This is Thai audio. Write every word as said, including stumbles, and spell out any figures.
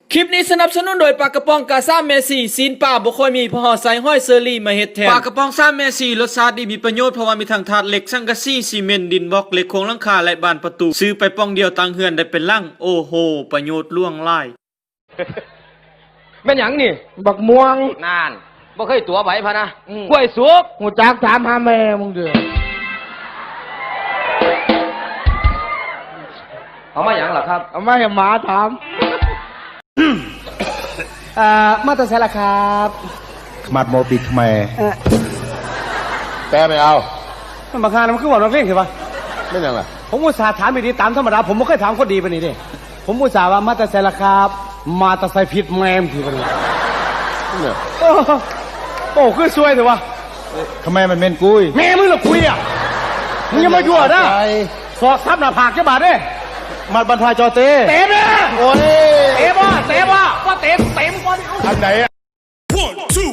คลิปนี้สนับสนุนโดยปลากระป๋องกาซ่าเมซี่ซีนป่าบ่ค่อยมีพอหอใส่ห้อยเซอรี่มาเฮ็ดแทนปลากระป๋องซ่าเมซี่รสชาติดีมีประโยชน์เพราะว่ามีทั้งถาดเหล็กสังกะสีซีเมนต์ดินบล็อกเหล็กโครงหลังคาและบานประตูซื้อไปป้องเดียวตังเฮือนได้เป็นลังโอ้โหประโยชน์ล่วงหลายแม่นหยังนี่บักม่วงนานบ่เคยตัวไหวพะนะกล้วยสุกหูจักถามหาแม่มึงเด้อเอามาหยังล่ะครับเอามาให้หมาถามอ่ามาตรใช้ละครับขมัดโมปิดทำไมแปลไม่เอามันมาคามันคือว่าเราเพ่งใช่ปะไม่ยังล่ะผมอุตส่าห์ถามดีๆตามธรรมดาผมไม่เคยถามคนดีปานนี้ดิผมอุตส่าห์ว่ามาตรใช้ละครับมาตรใช้ผิดแม่มทีปานนี้เนี่ยโอ้คือซวยเถอะวะทำไมมันเป็นกุยแม่มึงเหรอกุยอ่ะมึงยังมายั่วนะสอกทับหน้าผากแค่บาดเด้มัดบรรทายจอเต้เตะเนี่ยโอ้ยเตะบ้าเตะบ้าว่าเตะเตะมึงก่อนอันไหนอะ one two